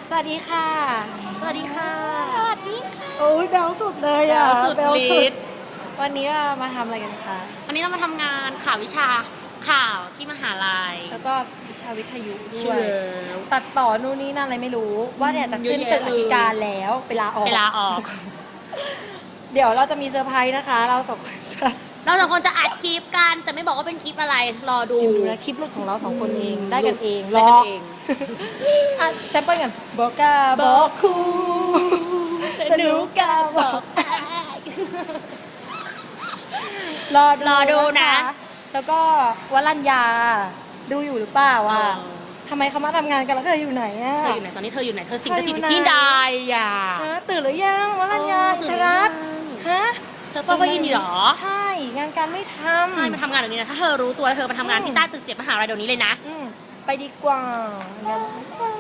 สวัสดีค่ะสวัสดีค่ะสวัสดีค่ะ โอ้ยแบลสุดเลยอ่ะแบ๊วสุดฤทธิ์วันนี้เรามาทำอะไรกันคะวันนี้เรามาทำงานข่าววิชาข่าวที่มหาลัยแล้วก็วิชาวิทยุด้ใช่วยแล้วตัดต่อนู่นนี่นั่นอะไรไม่รู้ ว่าเนี่ยจะขึ้นเยอะแยะตึกอธิการแล้วเวลาออกเวลาออกเดี๋ยวเราจะมีเซอร์ไพรส์นะคะ เราสองคนจะเราสองคนจะอัดคลิปกัน แต่ไม่บอกว่าเป็นคลิปอะไร รอดูดูนะคลิปหลุดของเราสองคนเองได้กันเองได้กันเองอ่ะแซมเปิลกันบอกกาบอกครูแต่หนูกาบอก รอรอดูนะคแล้วก็วรัญญาดูอยู่หรือเปล่าอ่ะทำไมเขามาทำงานกันแล้วเธออยู่ไหนอ่ะเธออยู่ไหนตอนนี้เธออยู่ไหน เธอสิงสถิตเธออยู่อยู่ที่ไหนใดอ่ะฮะตื่นหรือยังวรัญญาอินทรัตน์ฮะเธอเฝ้าก็ยินดีเหรอใช่งานการไม่ทำใช่มาทำงานเดี๋ยวนี้นะ ถ้าเธอรู้ตัวเธอมาทำงานที่ใต้ตึก7มหาลัยเดี๋ยวนี้เลยนะอืมไปดีกว่างั้นไป